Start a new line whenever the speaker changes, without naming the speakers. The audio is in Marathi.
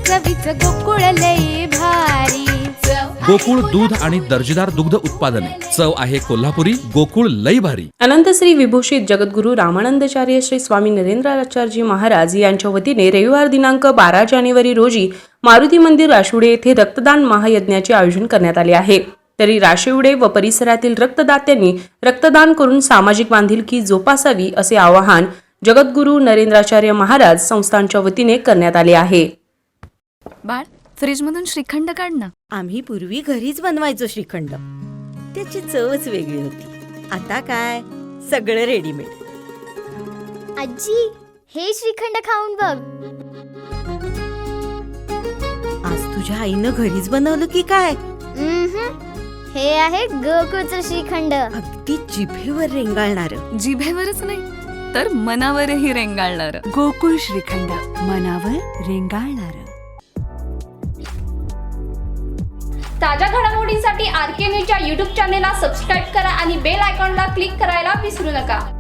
चवीचं गोकुळ लई भारी।
गोकुळ दूध आणि दर्जेदार दुग्ध उत्पादने, चव आहे कोल्हापुरी, गोकुळ लई भारी।
अनंत श्री विभूषित जगद्गुरू रामानंदाचार्य श्री स्वामी नरेंद्राचार्यजी महाराज यांच्या वतीने रविवार दिनांक 12 जानेवारी रोजी मारुती मंदिर राशिवडे येथे रक्तदान महायज्ञाचे आयोजन करण्यात आले आहे। तरी राशिवडे व परिसरातील रक्तदात्यांनी रक्तदान करून सामाजिक बांधिलकी जोपासावी असे आवाहन जगद्गुरू नरेंद्राचार्य महाराज संस्थांच्या वतीने करण्यात आले आहे।
बाळ, फ्रीजमधून श्रीखंड काढ ना।
आम्ही पूर्वी घरीच बनवायचो श्रीखंड, त्याची चवच वेगळी होती। आता काय सगळं रेडीमेड।
आजी, हे श्रीखंड खाऊन बघ।
आज तुझ्या आईनं घरीच बनवलं की काय?
हे आहे गोकुळचं श्रीखंड।
अगदी जिभेवर रेंगाळणार।
जिभेवरच नाही तर मनावरही रेंगाळणार।
गोकुळ श्रीखंड, मनावर रेंगाळणार।
ताज्या घडामोडींसाठी RK न्यूजच्या YouTube चॅनेलला सबस्क्राईब करा आणि बेल आयकॉनला क्लिक करायला विसरू नका।